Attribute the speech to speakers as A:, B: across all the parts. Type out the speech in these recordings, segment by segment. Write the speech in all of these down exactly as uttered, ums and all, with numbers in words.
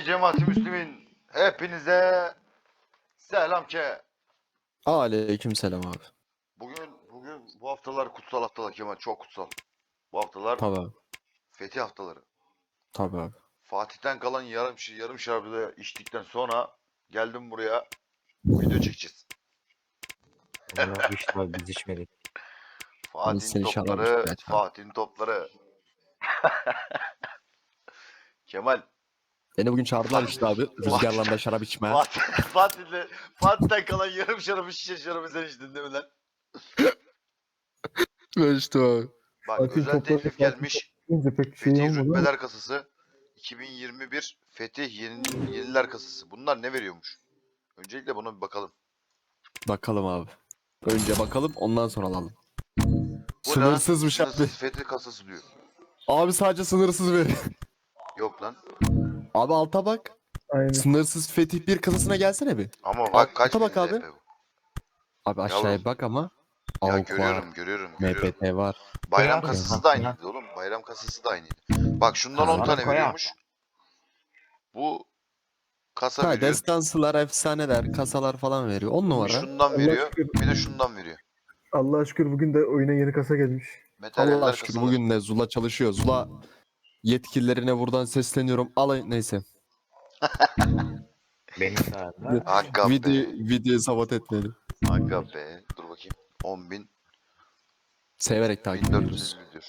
A: cemaati Müslümin hepinize selam ke.
B: Aleykümselam abi.
A: Bugün bugün bu haftalar kutsal haftalar Kemal, çok kutsal. Bu haftalar
B: Tabii abi.
A: fetih haftaları.
B: Tabii abi.
A: Fatih'ten kalan yarım yarım şarabı içtikten sonra geldim buraya, video çekeceğiz.
C: Bunlar işte abi biz içmedik.
A: Fatih'in
B: seni şarap
A: topları,
B: içmeye çağırdım.
A: Fatih'in topları. Kemal,
B: Beni bugün çağırdılar işte abi. Rüzgarla da şarap içmeye.
A: Fatih, Fatih'le Fatih'ten kalan yarım şarabı şişe şarabı sen içtin değil mi lan?
B: Ben işte abi.
A: Bak,
D: Fatih'in
A: özel
D: topları
A: teklif
D: Fatih
A: gelmiş.
D: deyince pek şey
A: Fetih
D: olmadı ama
A: Rütbeler Kasası iki bin yirmi bir Fetih Yeni, Yeniler Kasası. Bunlar ne veriyormuş? Öncelikle buna bir bakalım.
B: Bakalım abi. Önce bakalım ondan sonra alalım.
A: Bu
B: Sınırsızmış
A: ne?
B: abi.
A: Sınırsız Fetih Kasası diyor.
B: Abi sadece sınırsız ver.
A: Yok lan.
B: Abi alta bak.
D: aynı.
B: Sınırsız Fetih bir kasasına gelsene bir.
A: Ama bak kaç
B: Alta bak
A: bin
B: abi.
A: L P bu.
B: Abi aşağıya
A: Yavrum.
B: bak ama.
A: Ya
B: Avuk
A: görüyorum,
B: var.
A: görüyorum,
B: M
A: görüyorum.
B: P T var.
A: Bayram
C: Koyar
A: kasası
C: mısın?
A: da aynıydı oğlum. Bayram kasası da aynıydı. Bak şundan
B: Ha.
A: on tane
C: Koyar.
A: veriyormuş. Bu kasa
B: Ha,
A: veriyor.
B: destansılar, efsaneler, kasalar falan veriyor. On numara.
A: Şundan
D: Allah
A: veriyor.
D: şükür.
A: Bir de şundan veriyor.
D: Allah'a şükür bugün de oyuna yeni kasa gelmiş.
B: Allah
A: Materyaller
B: şükür
A: kasalar.
B: bugün de Zula çalışıyor. Zula yetkililerine buradan sesleniyorum. Alay neyse.
C: Benim sayemde.
A: Hakka
B: Video,
A: be.
B: videoyu sabot etmeyelim.
A: Hakka be. Dur bakayım. on bin.
B: Severek takip
A: bin dört yüz
B: ediyoruz.
A: elli diyor.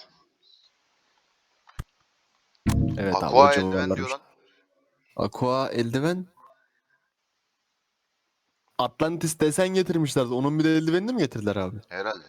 B: Evet abi.
A: Aqua
B: o
A: eldiven
B: civarlarmış.
A: diyor lan.
B: Aqua eldiven. Atlantis desen getirmişlerdi. Onun bir de eldivenini mi getirdiler abi?
A: Herhalde.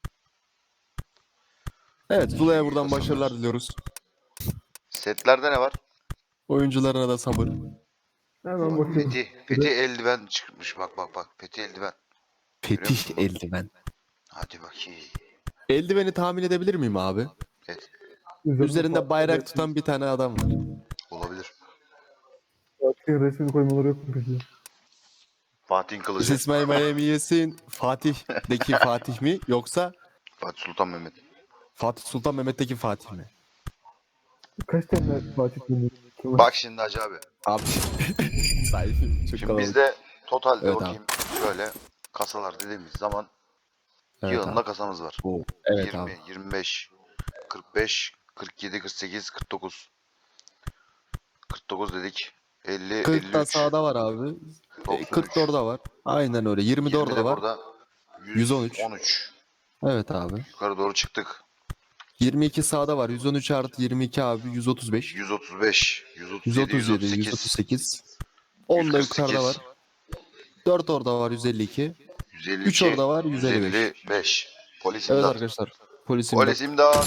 B: Evet, Zula'ya buradan
A: Kasalar.
B: başarılar diliyoruz.
A: Setlerde ne var?
B: Oyuncularına da sabır.
D: Hemen
A: Bak,
D: bakıyorum.
A: Fetih, Fetih eldiven çıkmış. Bak bak bak. Fetih eldiven. Görüyor
B: Fetih
A: musun bak?
B: eldiven.
A: Hadi bakayım.
B: Eldiveni tahmin edebilir miyim abi?
A: Evet.
B: Üzerinde bayrak tutan bir tane adam var.
A: Olabilir.
D: Fatih'in resmini koymaları yok mu peki?
A: Fatih'in kılıcı.
B: İsmail Miami yesin. Fatih'deki Fatih mi yoksa
A: Fatih Sultan Mehmet.
B: Fatih Sultan Mehmet'teki Fatih mi?
D: Kaç tane Fatih dinliyor?
A: Bak şimdi Hacı abi.
B: Abi. Sahibi çok
A: Şimdi
B: kalabalık.
A: bizde totalde
B: Evet
A: bakayım. Şöyle kasalar dediğimiz zaman
B: Evet
A: yığınla
B: abi.
A: kasamız var.
B: Oo, evet
A: yirmi,
B: abi.
A: yirmi beş, kırk beş, kırk yedi, kırk sekiz, kırk dokuz. kırk dokuz dedik. elli,
B: kırk
A: elli
B: da
A: üç,
B: sağda var abi. E,
A: doksan
B: kırk
A: üç.
B: da orada var. Aynen öyle. yirmi de
A: yirmi
B: orada
A: de
B: var.
A: burada.
B: yüz on üç.
A: yüz on üç.
B: Evet abi.
A: Yukarı doğru çıktık.
B: yirmi iki sağda var. yüz on üç artı yirmi iki abi. yüz otuz beş.
A: yüz otuz beş, yüz otuz
B: yüz
A: yedi,
B: otuz yedi,
A: yüz
B: yüz
A: otuz
B: otuz
A: sekiz,
B: sekiz. on da
A: yüz kırk sekiz,
B: yukarıda var. dört orada var. yüz elli iki.
A: yüz elli
B: üç
A: iki,
B: orada var. yüz elli beş.
A: yüz elli beş. Polis
B: Evet
A: imdat.
B: arkadaşlar. Polis imdat.
A: Polis imdat.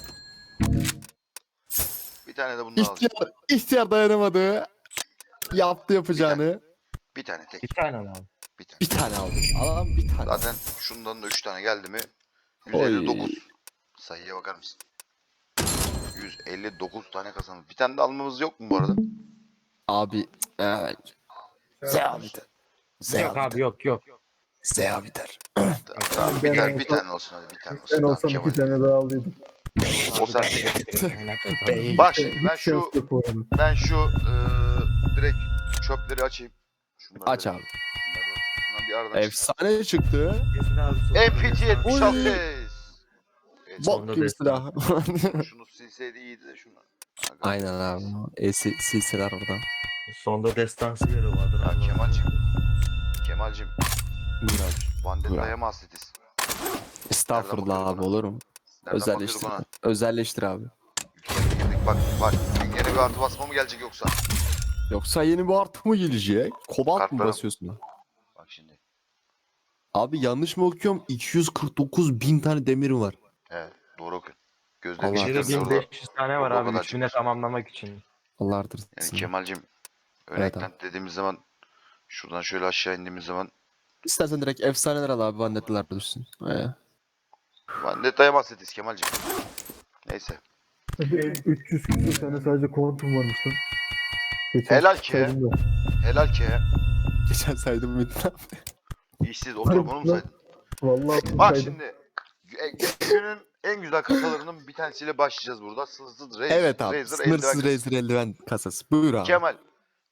A: Bir tane de bundan alacağım.
B: İhtiyar, ihtiyar dayanamadı. Yaptı yapacağını.
A: Bir tane tek.
C: Bir tane mi abi?
A: Bir tane.
B: Bir tane aldı. Alan bir tane.
A: Zaten şundan da üç tane geldi mi?
B: Oy.
A: yüz elli dokuz. Sayıya bakar mısın? yüz elli dokuz tane kazandık. Bir tane de almamız yok mu bu arada?
B: Abi. Evet. Zeyabiter.
C: Yok abi yok yok.
B: Zeyabiter.
A: Tamam, bir
D: Ben
A: tane, bir
D: olsam-
A: tane olsun hadi, bir tane olsun.
D: Ben
A: Tamam,
D: olsam
A: Kemal.
D: iki tane daha aldıydım.
A: O sen.
B: Bey.
A: Bak şimdi ben
D: Hiç
A: şu
D: şans yok bu arada.
A: ben şu eee, direkt çöpleri açayım. Şunları
B: Aç
A: da-
B: abi.
A: Şunları, şundan bir aradan çıksın.
B: Efsane çıktı.
A: M P T yetmiş altı.
B: Oy.
A: Evet,
C: Son-
B: Bok gibi silah.
A: şunu silseydi iyiydi de şunu. Aga.
B: Aynen abi. E, sil- silsiler oradan.
C: Sonda destansı yeri vardır.
A: Ya
C: abi.
A: Kemal'cim. Kemal'cim.
B: Buyur abi.
A: Vandetta'ya mı hasretiz?
B: Estağfurullah
A: bakıyoruz
B: abi
A: buna?
B: olur mu?
A: Nereden bakıyoruz
B: Özelleştir.
A: buna?
B: Özelleştir abi.
A: Yükseldik girdik bak bak. Yeni bir artı basma mı gelecek yoksa?
B: Yoksa yeni bir artı mı gelecek? Kobalt mı
A: Kartlara-
B: basıyorsun?
A: Bak şimdi.
B: Abi yanlış mı okuyorum? iki yüz kırk dokuz bin tane demiri var.
A: Evet, doğru okuyun.
B: Allah
A: Gözlerim
C: İçeride
B: razı
A: işlemiyor
B: olsun.
A: orada.
C: bin beş yüz tane var
A: orada o
C: abi.
A: kadar
C: Üçüne
A: çıkmış.
C: tamamlamak için.
B: Allah
A: Yani
B: artırsın.
A: Kemal'cim
B: Evet
A: örnekten dediğimiz zaman şuradan şöyle aşağı indiğimiz zaman
B: İstersen direkt efsaneler al abi. Vandettiler düşsün. Ee.
A: Vandetta'ya bahsediyoruz Kemal'cim. Neyse.
D: üç yüz küsur tane sadece kuantum varmış lan. Geçen
A: Helal ki.
D: saydım da.
A: Helal ki.
B: Geçen saydım Metin abi.
A: İşsiz oturup onu mu saydın?
D: Vallahi
A: Bak
D: saydım.
A: şimdi. gü- Günün en güzel kasalarının bir tanesiyle başlayacağız burada. Sınırsız Razer.
B: Evet abi.
A: Razer
B: Sınırsız
A: eldiven kasası.
B: Razer eldiven kasası. Buyur abi.
A: Kemal.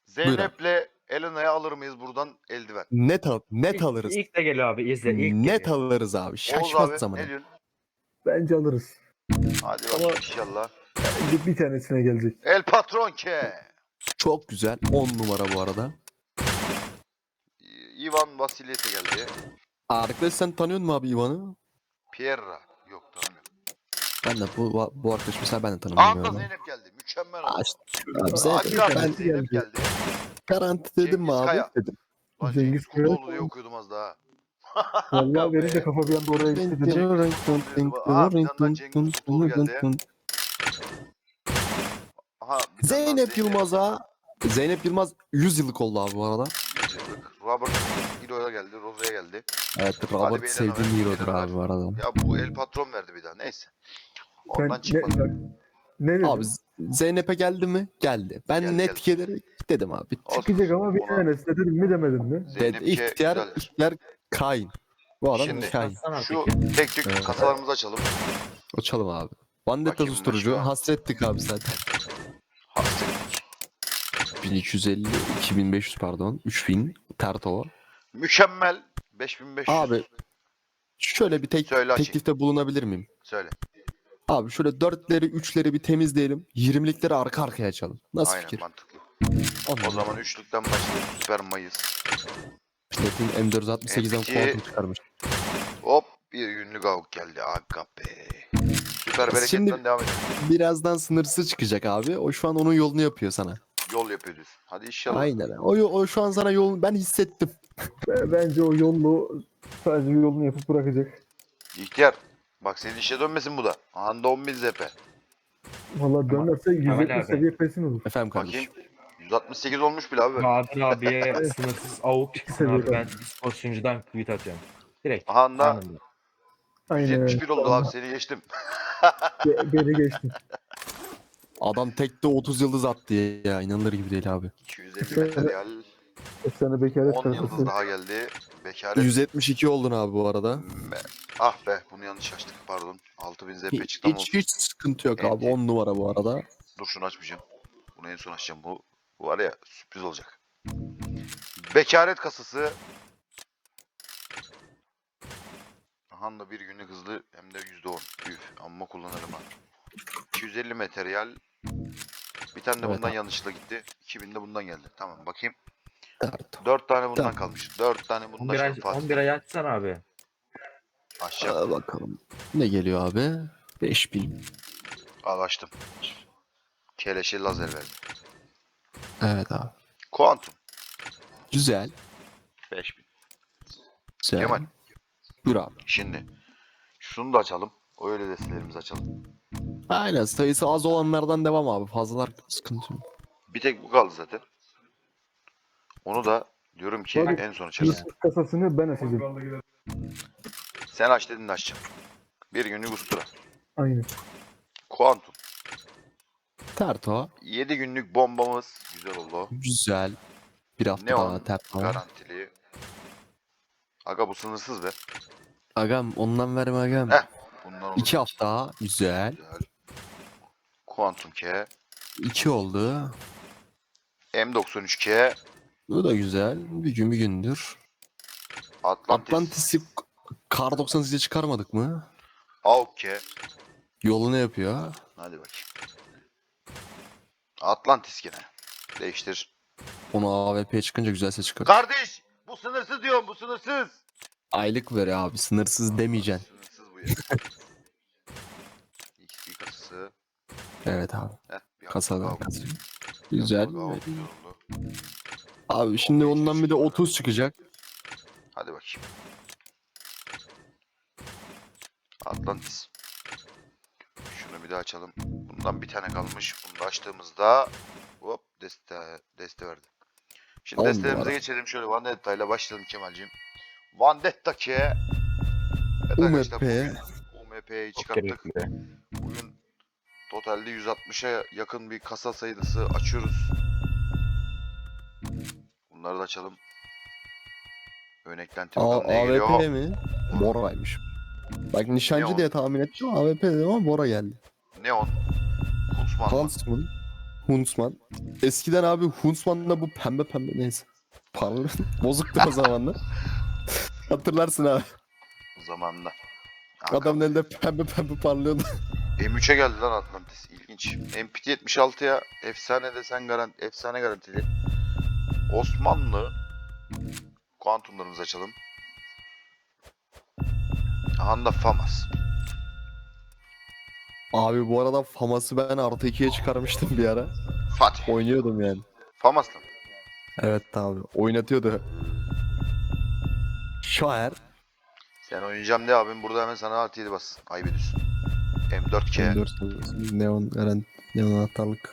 A: Zeynep'le Elena'ya alır mıyız buradan eldiven?
B: Net al net
C: İlk-
B: alırız.
C: İlk de geliyor abi izle. İlk
B: Net
C: geliyor.
B: alırız abi.
A: Oğuz
B: Şaşmaz
A: abi
B: zamanı.
A: ne diyorsun?
D: Bence alırız.
A: Hadi
B: Ama-
A: bakalım inşallah.
D: Bir, bir tanesine gelecek.
A: El patron ke.
B: Çok güzel. on numara bu arada.
A: Ivan Vasilyev'e geldi.
B: Arkadaş sen tanıyor musun abi Ivan'ı?
A: Pierre. Yok tanımıyorum.
B: Ben de bu bu arkadaş mesela ben de tanımıyorum.
A: Anda
B: yani.
A: Zeynep geldi. Mükemmel
B: Aa,
A: oldu.
B: işte, abi Zeynep,
A: Hakikaten
B: ben
A: Zeynep geldi.
B: garanti dedim mi
A: Cengiz
B: abi?
A: Kaya.
B: Dedim.
A: Lan
D: Cengiz
A: Cengiz
D: Kaya.
A: Kurtoğlu diye okuyordum az daha.
D: Vallahi
A: Aga
D: benim de
A: be.
D: kafa bir anda oraya gitti dedim.
A: Aha bir tane daha Cengiz Kurtoğlu geldi. Aha bir tane daha
B: Zeynep Yılmaz'a. Zeynep Yılmaz yüz yıllık oldu abi bu arada.
A: yüz yıllık. Robert Hero'ya geldi. Rose'ya geldi.
B: Evet
A: Hadi
B: Robert
A: beyler,
B: sevdiğim
A: Ömer,
B: hero'dur
A: beyler,
B: abi bu arada.
A: Ya bu El Patron verdi bir daha. Neyse.
D: Sen
A: Ondan
D: ne,
A: çıkmadı.
D: bak, ne dedim?
B: Abi Z- Zeynep'e geldi mi? Geldi. Ben
A: Geldi,
B: net
A: geldi.
B: gelir dedim abi.
A: Olsun.
D: Çıkacak ama bir
A: Ona-
D: tanesi de dedim mi demedim mi?
B: Dedi,
A: Zeynep K
B: ihtiyar,
A: güzeldir.
B: ihtiyar Kain. Bu adam
A: Şimdi-
B: Kain.
C: Baksana
A: Şu
C: peki.
A: tek tük
B: Evet.
A: kasalarımızı açalım.
B: Açalım abi. Vandetta
A: Bakayım
B: susturucu.
A: başka.
B: Hasrettik abi zaten.
A: Hasretlik.
B: bin iki yüz elli, iki bin beş yüz pardon. üç bin. Tertova.
A: Mükemmel. beş bin beş yüz.
B: Abi şöyle bir tek
A: Söyle açayım.
B: teklifte bulunabilir miyim?
A: Söyle.
B: Abi şöyle dörtleri, üçleri bir temizleyelim. yirmilikleri arka arkaya açalım. Nasıl
A: Aynen
B: fikir?
A: mantıklı.
B: Anladım.
A: O zaman üçlükten başlayalım. Süper Mayıs.
B: Platin M dört yüz altmış sekizden
A: M iki
B: kuantum çıkarmış.
A: Hop bir günlük avuk geldi. Aga be. Süper bereketten
B: Şimdi-
A: devam edelim.
B: Birazdan sınırsız çıkacak abi. O şu an onun yolunu yapıyor sana.
A: Yol yapıyor diyorsun. Hadi inşallah.
B: Aynen. O, yo- o şu an sana yol ben hissettim.
D: B- Bence o yollu sadece yolunu yapıp bırakacak.
A: İhtiyar. Bak senin işe dönmesin bu da. Anda on bin Z P.
D: Valla dönerse yüz
C: Kemal
D: yetmiş
C: abi.
D: seviye pesin olur.
B: Efendim
A: Bakayım.
B: kardeşim.
A: yüz altmış sekiz olmuş bile abi.
C: Bahadır abiye sınırsız avuk çıksın abi.
D: Seviyorum.
C: Ben spor sunucudan tweet atıyorum. Direkt.
A: Aha anda
C: anında.
D: Aynen.
A: yüz yetmiş bir oldu abi seni geçtim.
D: Be- beni geçtin.
B: Adam tekte otuz yıldız attı ya. İnanılır gibi değil abi.
A: iki yüz elli materyal.
D: Efsane bekaret
A: on yıldız
D: sayfası.
A: daha geldi. Bekaret.
B: yüz yetmiş iki oldun abi bu arada.
A: Me- Ah be bunu yanlış açtık pardon. altı bin Z P
B: Hiç,
A: çıktı ama
B: hiç,
A: olsun.
B: hiç sıkıntı yok
A: Evet.
B: abi. on numara bu arada.
A: Dur şunu açmayacağım. Bunu en son açacağım. Bu, bu var ya sürpriz olacak. Bekaret kasası. Aha da bir günlük hızlı hem de yüzde on. Üf amma kullanırım ha. iki yüz elli materyal. Bir tane de
B: Evet
A: bundan
B: abi.
A: yanlışlıkla gitti. iki bin de bundan geldi. Tamam bakayım.
B: Dert.
A: dört tane bundan
B: Tamam.
A: kalmış. dört tane bundan
C: on bir ay,
A: şimdi Fatih.
C: on bir ay açsana abi.
A: Açacağım.
B: Aa, bakalım. Ne geliyor abi? beş bin.
A: Al açtım. Keleşi lazer verdi.
B: Evet abi.
A: Kuantum.
B: Güzel.
A: beş bin.
B: Güzel.
A: Kemal.
B: Buyur abi.
A: Şimdi. Şunu da açalım. Öyle destelerimizi açalım.
B: Aynen sayısı az olanlardan devam abi. Fazlalar sıkıntı yok.
A: Bir tek bu kaldı zaten. Onu da diyorum ki
D: Tabii.
A: en son açarız.
D: Sınırsız kasasını ben açacağım.
A: Sen aç dedin de açacağım. Bir günlük ustura.
D: Aynen.
A: Kuantum.
B: Terto.
A: yedi günlük bombamız. Güzel oldu o.
B: Güzel. Bir hafta
A: Neon.
B: daha terto.
A: Garantili. Aga bu sınırsız be.
B: Agam ondan verme agam.
A: Heh. Bundan olur.
B: İki hafta daha. Güzel.
A: Güzel. Kuantum K.
B: İki oldu.
A: M doksan üç K.
B: Bu da güzel. Bir gün bir gündür.
A: Atlantis.
B: Atlantis'i Kar doksan sekize çıkarmadık mı?
A: Auk K.
B: Yolunu yapıyor.
A: Hadi bakayım. Atlantis gene. Değiştir.
B: Onu A W P'ye çıkınca güzel ses çıkar.
A: Kardeş! Bu sınırsız diyorum. Bu sınırsız.
B: Aylık ver abi. Sınırsız demeyeceksin.
A: Sınırsız bu ya. X P kasası.
B: Evet abi.
A: Heh, bir
B: Kasada.
A: hafta
B: Kasa.
A: Auk.
B: Güzel.
A: Auk, Auk, güzel oldu.
B: Abi şimdi ondan bir de otuz çıkacak.
A: Hadi bakayım. Atlantis. Şunu bir daha açalım. Bundan bir tane kalmış. Bunu da açtığımızda hop deste deste verdi. Şimdi
B: On
A: destelerimize
B: numara.
A: geçelim. Şöyle Vendetta ile başlayalım Kemal'ciğim. Vendetta ki evet
B: U M
A: arkadaşlar,
B: P.
A: bugün U M P'yi
C: Çok
A: çıkarttık.
C: gerekli.
A: Bugün totalde yüz altmışa yakın bir kasa sayısı açıyoruz. Bunları da açalım. Ön eklenti
B: A
A: bakalım ne geliyor.
B: AWP mi? Bora'ymış. Bak nişancı
A: Neon.
B: diye tahmin ettim. A W P dedim ama Bora geldi.
A: Neon. Huntsman.
B: Huntsman. Huntsman. Eskiden abi Huntsman'la bu pembe pembe neyse. Pardon. Bozuktu o zamanlar. Hatırlarsın abi.
A: O zamanla.
B: Adamın elinde pembe pembe parlıyordu.
A: M üçe geldi lan Atlantis. İlginç. M P T yetmiş altıya efsane desen garanti, efsane garantili. Osmanlı kuantumlarımızı açalım. Handa Famas.
B: Abi bu arada Famas'ı ben artı ikiye çıkarmıştım bir ara.
A: Fatih.
B: Oynuyordum yani.
A: Famas'la mı?
B: Evet abi. Oynatıyordu. Şair.
A: Sen oynayacağım de abim burada hemen sana artı yedi bas. Ayıp ediyorsun. M dört K.
B: M dört seviyesi. Neon Eren. Neon anahtarlık.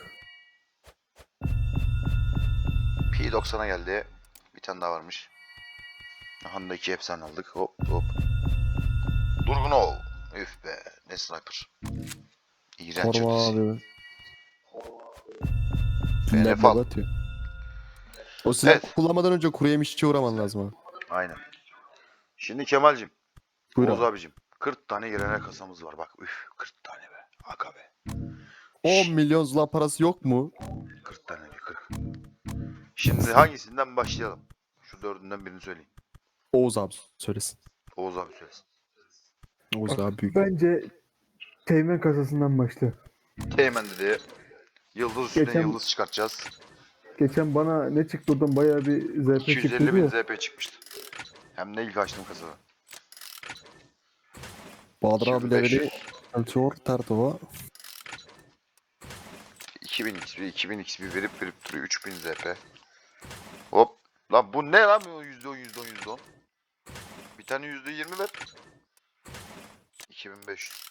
A: P doksana geldi. Bir tane daha varmış. Handa iki efsane aldık. Hop hop. Durgunov. Üf be. Ne sniper. İğrenç
B: Korma
A: ötesi.
B: abi.
A: F N F al.
B: Nebze atıyor. O silah
A: Evet.
B: kullanmadan önce kuru yemişçi uğraman lazım abi.
A: Aynen. Şimdi Kemal'cim.
B: Buyur
A: Oğuz
B: abi.
A: abicim. kırk tane girene kasamız var. Bak üf. kırk tane be. Aga be.
B: on milyon zula parası yok mu?
A: kırk tane diyor. kırk. Şimdi hangisinden başlayalım? Şu dördünden birini söyleyin.
B: Oğuz abi söylesin.
A: Oğuz abi söylesin.
B: Oğuz abi büyük.
D: Bence teğmen kasasından başla.
A: Teğmen dedi. Yıldız üstüne
D: Geçen-
A: yıldız çıkartacağız.
D: Geçen bana ne çıktı oradan bayağı bir Z P
A: iki yüz elli
D: çıktı
A: bin
D: ya.
A: Z P çıkmıştı. Hem de ilk açtığım kasada.
B: Bahadır abi leveli
A: iki bin beş yüz.
B: Elçor Tertova.
A: iki bin X P, iki bin X P verip verip duruyor. üç bin Z P. Hop. Lan bu ne lan bu yüzde on, yüzde on, yüzde on. Bir tane yüzde yirmi ver. iki bin beş yüz.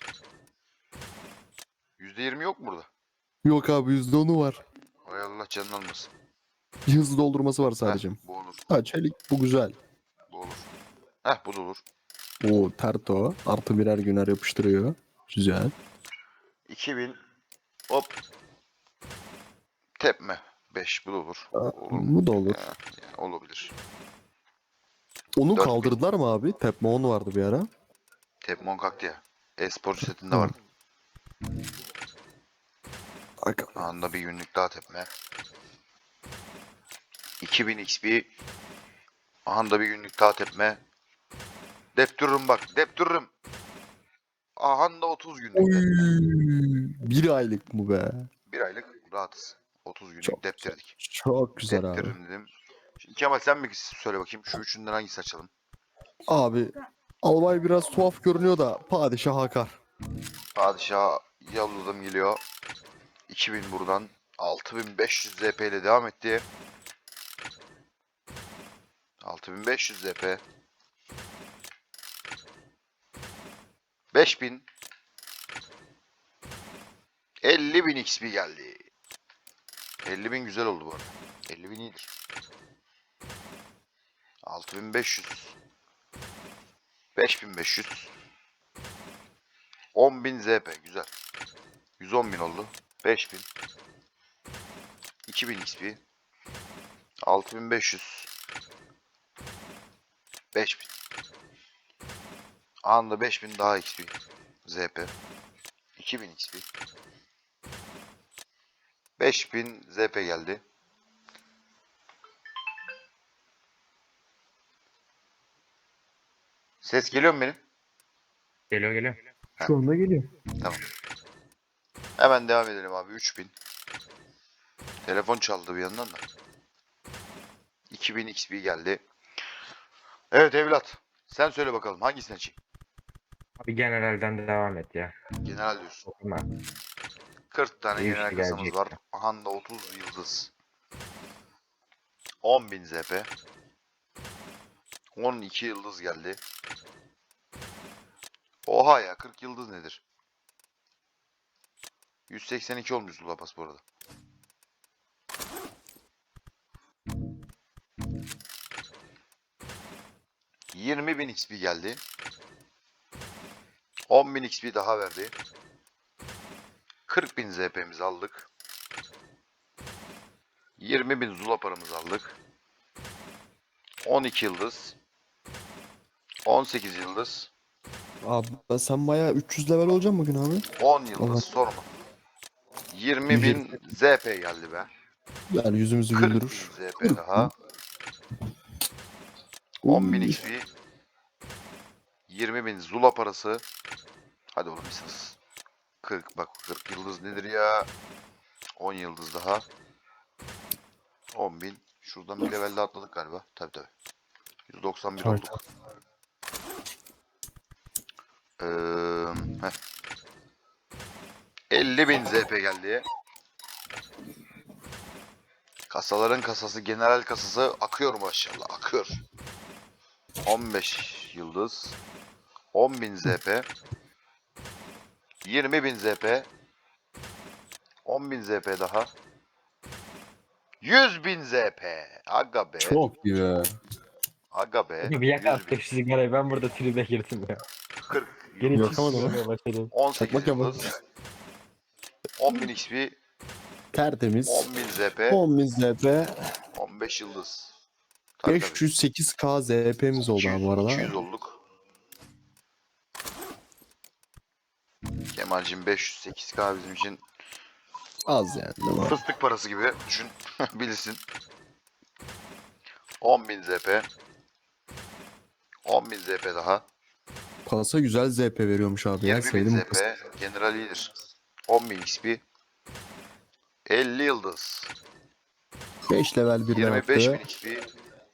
A: yüzde yirmi yok mu burada?
B: Yok abi yüzde onu var.
A: Hay Allah canını almasın.
B: Hızlı doldurması var sadece.
A: Heh, bu olur.
B: Ha çelik bu güzel.
A: Bu olur. Heh bu da olur.
B: O Terto artı birer güner yapıştırıyor. Güzel.
A: iki bin. Hop. Tepme. beş bu da olur.
B: Aa,
A: Olur mu?
B: bu da olur.
A: Ya, yani olabilir.
B: Onu
A: Dört bin.
B: kaldırdılar mı abi? Tepme on vardı bir ara.
A: Tepmon kalktı ya. E-sporcu setinde
B: Hı.
A: vardı.
B: Bak.
A: Anında bir günlük daha tepme. iki bin X P. Anda bir günlük daha tepme. Deptürürüm bak. Deptürürüm. Ahanda otuz günlük
B: Oy,
A: tepme.
B: bir aylık mı be?
A: Bir aylık rahatız. otuz günlük
B: Çok
A: deptirdik.
B: Çok güzel abi.
A: Deptiririm dedim. Şimdi Kemal sen bir söyle bakayım. Şu üçünden hangisi açalım?
B: Abi albay biraz tuhaf görünüyor da padişah hakar.
A: Padişah yolladım geliyor. iki bin buradan. altı bin beş yüz Z P ile devam etti. altı bin beş yüz Z P. beş bin. elli bin X P geldi. elli bin güzel oldu bu arada. elli bin iyidir. altı bin beş yüz. beş bin beş yüz. on bin Z P güzel. yüz on bin oldu. beş bin. iki bin X P. altı bin beş yüz. beş bin. Anında beş bin daha X P. Z P. iki bin X P. beş bin Z P geldi. Ses geliyor mu benim?
C: Geliyor geliyor.
D: Şu anda geliyor.
A: Tamam. Hemen devam edelim abi. üç bin. Telefon çaldı bir yandan da. iki bin X P geldi. Evet evlat. Sen söyle bakalım hangisini açayım?
C: Abi generalden devam et ya.
A: General diyorsun.
C: Okuma.
A: kırk tane
C: İyi
A: general
C: işte
A: kasamız
C: gelecek.
A: var. Ahanda otuz yıldız. on bin Z P. on iki yıldız geldi. Oha ya kırk yıldız nedir? yüz seksen iki olmuş Zula Pas bu arada. yirmi bin X P geldi. on bin X P daha verdi. kırk bin Z P'mizi aldık. yirmi bin Zula paramızı aldık. on iki yıldız. on sekiz yıldız.
B: Abi ben sen bayağı üç yüz level olacaksın bugün abi.
A: on yıldız
B: Allah.
A: sorma. yirmi bin Z P geldi be.
B: Yani yüzümüzü
A: kırk bin
B: güldürür.
A: Z P daha. on bin
B: Uy.
A: X P. yirmi bin Zula parası. Hadi oğlum misiniz? kırk bak kırk yıldız nedir ya? on yıldız daha. on bin. Şuradan bir level de atladık galiba. Tabi tabi. yüz doksan bir
B: Tabii.
A: olduk. Ee, heh. elli bin Z P geldi. Kasaların kasası, general kasası akıyor maşallah, akıyor. on beş yıldız. on bin Z P. yirmi bin Z P. on bin Z P daha. yüz bin Z P. Aga be.
B: Çok iyi be.
A: Aga be.
C: Bir yak
A: yüz bin.
C: attık şu sigarayı, ben burada tribe girdim ya.
A: kırk
C: Geri
A: yıldız.
B: Yakamadım ama.
C: çıkmaya başladım.
A: on sekiz
B: Çakmak yapalım.
A: yıldız. on bin X P.
B: Tertemiz.
A: on bin Z P.
B: on bin Z P.
A: on beş yıldız. Tabii, tabii.
B: beş yüz sekiz K Z P'miz oldu abi bu arada.
A: iki yüz olduk. Kemal'cim beş yüz sekiz K bizim için
B: Az yani değil mi?
A: fıstık parası gibi düşün. Bilirsin. on bin Z P. on bin Z P daha.
B: Pasa güzel Z P veriyormuş abi ya.
A: yirmi bin
B: Sevdim
A: Z
B: bu pası.
A: P. General iyidir. on bin X P. elli yıldız.
B: beş level birden
A: yirmi beş bin
B: attı.
A: X P.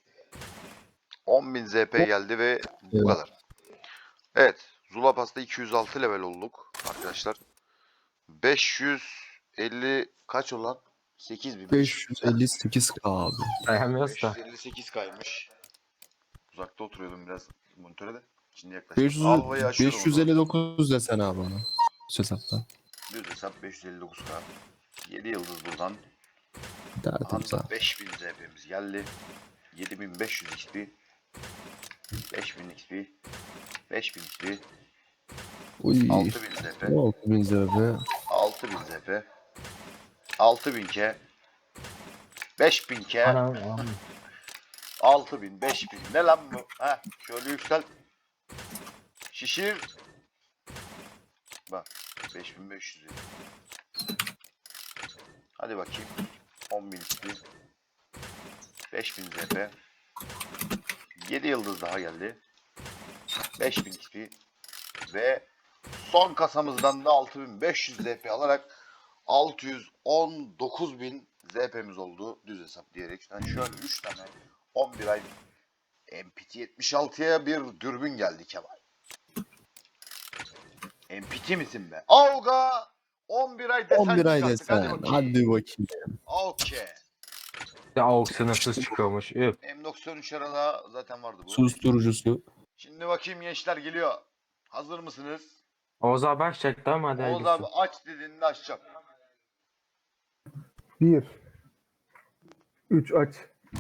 A: on bin Z P geldi ve bu
B: Evet.
A: kadar. Evet. Zula Pass'ta iki yüz altı level olduk arkadaşlar. beş yüz elli kaç olan? sekiz bin.
B: beş yüz elli sekiz K abi.
C: Dayanmıyoruz da.
A: beş yüz elli sekiz kaymış. Uzakta oturuyordum biraz monitöre de. Şimdi yaklaşık.
B: beş yüz,
A: Alva'yı aşıyorum
B: beş yüz elli dokuz desen abi ona. Düz hesapta.
A: Düz hesap beş yüz elli dokuz K. yedi yıldız buradan.
B: Tertemiz
A: Anda
B: abi.
A: beş bin Z P'miz geldi. yedi bin beş yüz X P. beş bin X P. beş bin X P.
B: Uy.
A: altı bin Z P.
B: altı bin Z P.
A: altı bin Z P. altı bin K. beş bin K.
C: Anam, anam.
A: altı bin, beş bin. Ne lan bu? Heh, şöyle yüksel. Şişir. Bak. beş bin beş yüz. Hadi bakayım. on bin X P. beş bin Z P. yedi yıldız daha geldi. beş bin X P. Ve son kasamızdan da altı bin beş yüz Z P alarak altı yüz on dokuz bin Z P'miz oldu. Düz hesap diyerek. Yani şöyle üç tane on bir ay M P T yetmiş altıya bir dürbün geldi Kemal. M P T misin be? Avga on bir ay desen
B: on bir ay
A: çıkarttık. Hadi
B: desen.
A: bakayım.
B: Hadi bakayım.
A: Okey.
C: Bir de AUK sınırsız çıkıyormuş. Üf.
A: M doksan üç arada zaten vardı bu.
B: Susturucusu.
A: Şimdi bakayım gençler geliyor. Hazır mısınız?
C: Oğuz abi başlayacaktı ama hadi
A: Oğuz
C: hayırlısı.
A: abi aç dediğinde açacağım.
D: Bir. Üç aç.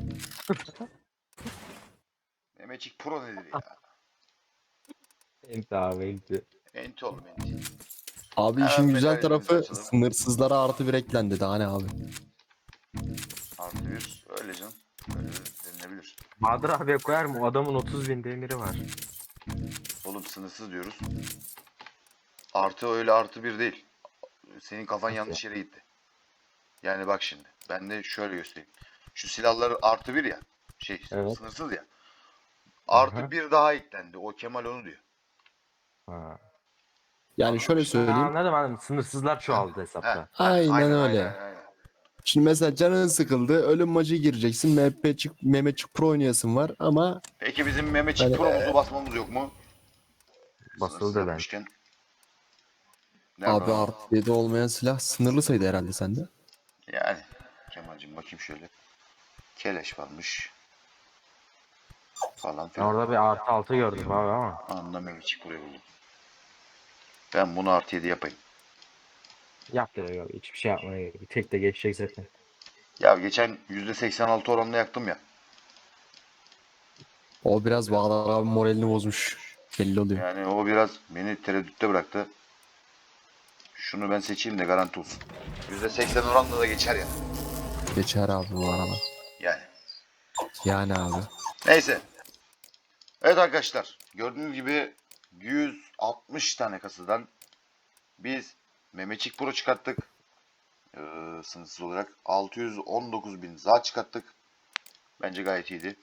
A: Mehmetçik Pro nedir ya?
C: Enti abi enti.
A: Enti oğlum enti.
B: Abi
A: Hemen
B: işin güzel
A: medalyamızı
B: tarafı
A: açalım.
B: sınırsızlara artı bir eklendi daha ne abi.
A: Artı bir. Öyle canım. Öyle denilebilir.
C: Bahadır abiye koyar mı? O adamın otuz bin demiri var.
A: Oğlum sınırsız diyoruz. Artı öyle artı bir değil. Senin kafan yanlış yere gitti. Yani bak şimdi. Ben de şöyle göstereyim. Şu silahlar artı bir ya. Şey
C: Evet.
A: sınırsız ya. Artı
C: Aha.
A: bir daha eklendi. O Kemal onu diyor.
C: Ha.
B: Yani şöyle
C: Ha,
B: söyleyeyim.
C: anladım anladım. Sınırsızlar çoğaldı
A: Heh,
C: hesapta.
A: heh,
B: Aynen öyle.
A: Aynen, aynen.
B: Şimdi mesela canın sıkıldı. Ölüm maçı gireceksin. M P çık, Mehmetçik Pro oynayasın var ama
A: Peki bizim Mehmetçik
B: Hani-
A: Pro'muzu basmamız yok mu?
C: Basıldı
A: Sınırsız
C: ben.
A: yapmışken. Nerede
B: abi
A: o?
B: artı yedi olmayan silah sınırlı sayıda herhalde sende.
A: Yani. Kemal'cim bakayım şöyle. Keleş varmış. Falan
C: Ben
A: filan.
C: orada bir artı altı gördüm abi ama.
A: Anında Mehmetçik Pro'yu buldum. Ben bunu artı yedi yapayım.
C: Yap ya yok. Hiçbir şey yapmaya gerek yok. Tek de geçecek zaten.
A: Ya geçen yüzde seksen altı oranla yaktım ya.
B: O biraz Bağlar abi moralini bozmuş. Belli oluyor.
A: Yani o biraz beni tereddütte bıraktı. Şunu ben seçeyim de garanti olsun. yüzde seksen oranla da geçer ya.
B: Geçer abi bu arada.
A: Yani.
B: Yani abi.
A: Neyse. Evet arkadaşlar. Gördüğünüz gibi yüz altmış tane kasadan biz Mehmetçik Pro çıkarttık. Ee, sınırsız olarak. altı yüz on dokuz bin za çıkarttık. Bence gayet iyiydi.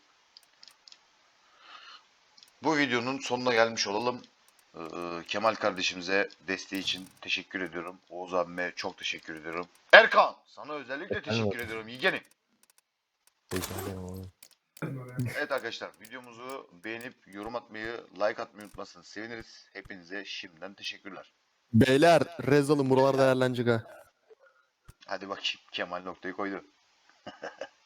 A: Bu videonun sonuna gelmiş olalım. Ee, Kemal kardeşimize desteği için teşekkür ediyorum. Oğuz abime çok teşekkür ediyorum. Erkan sana özellikle
C: Efendim
A: teşekkür ediyorum. Yeğenim.
C: Rica ederim oğlum.
A: Evet arkadaşlar videomuzu beğenip yorum atmayı, like atmayı unutmazsanız seviniriz. Hepinize şimdiden teşekkürler.
B: Beyler rez alın buralar değerlenecek ha.
A: Hadi bakayım Kemal noktayı koydu.